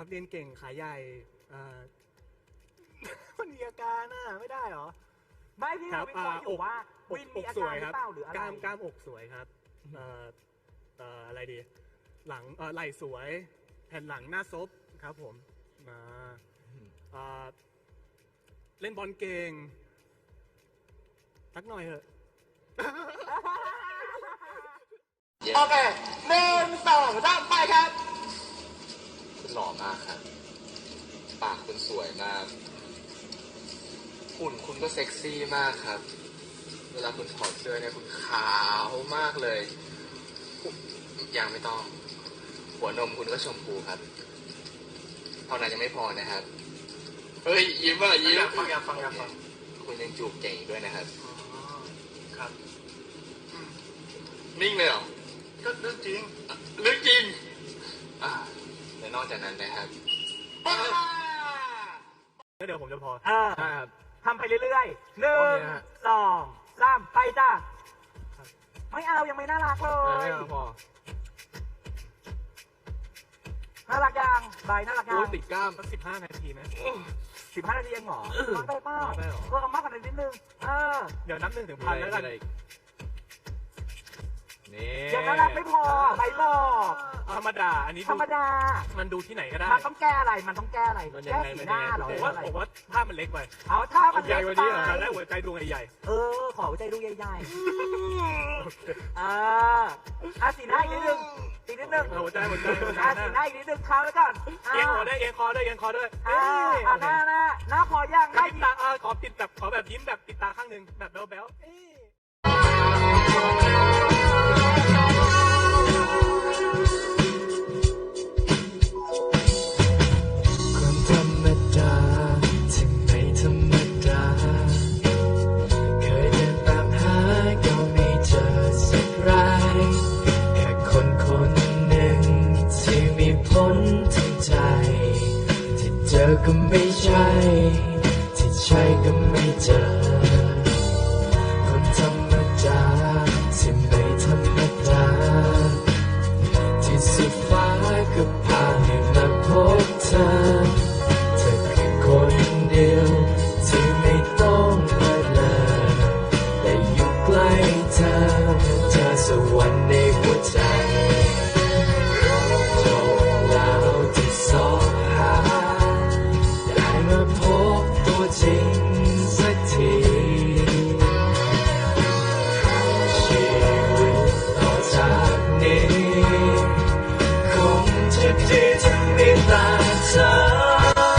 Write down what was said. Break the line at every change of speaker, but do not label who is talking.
ครับเรียนเก่งขาใหญ่มันมีอาการน่ะไม่ได้เหรอ
ไม่พี่เราวิเคราะห์อยู่ว่าวินมีอาการหรือเปล่าหรืออะไร
กล้ามอกสวยครับอะไรดีหลังไหล่สวยแผ่นหลังหน้าซบครับผมเล่นบอลเก่งสักหน่อยเถอะ
โอเค1 2 3ไปครับคุณหล่อมากครับปากคุณสวยมากหุ่นคุณก็เซ็กซี่มากครับเวลาคุณถอดเสื้อเนี่ยคุณขาวมากเลยยังไม่ต้องหัวนมคุณก็ชมพูครับเท่านั้นยังไม่พอนะครับเฮ้ยยิ้มยิ้มฟังคุณยังจูบเก่งด้วยนะครับครับนิ่งเลยเหรอก็เรื่องจริงและนอกจากนั้นนะครับ
เดี๋ยวผมจะพอ
ครับทำไปเรื่อยๆ1 2 3ไปจ้าไม่เอายังไม่น่ารักเลย
ไม่พอ
น่ารักยังใบน่ารักยัง
ติดกล้ามสัก15 นาทีไหม
15 นาทีเองเหรอน้อยไปเปล่าเอามากกว่านั้นนิดนึง
เดี๋ยวนับ1 ถึง 1,000แล้วกัน
ยังน่ารักไม่พอใบบอก
ธรรมดาอันนี้
ธรรมดา
มันดูที่ไหนก็ได้
มันต้องแก้อะไรแก้สีหน้าหรอ
ผมว่าภาพมันเล็กไป
ถ้ามัน
ใหญ่กว่านี้ได้หัวใจดวงใหญ่
ขอหัวใจดวงใหญ่สีหน้าอีกนิดนึง
หัวใจ
สีหน้าอีกนิดนึงเท้าแล้วก่อน
เอียงหัวได้เอียงคอด้วย
หน้าพอยัง
ได้ตาขอปิดแบบขอแบบยิ้มแบบปิดตาข้างหนึ่งแบบแบ๊ว
ก็ไม่ใช่ที่ใช่ก็ไม่เจอคนธรรมดาที่ไม่ธรรมดาที่สุดฟ้าก็พาให้มาพบเธอคือคนเดียวที่ไม่ต้องเลิศเลอแต่อยู่ใกล้เธอสวรรค์ในหัวใจโชคแล้วที่สองจริงสักทีชีวิตต่อจากนี้คงจะดีถ้ามีแต่เธอ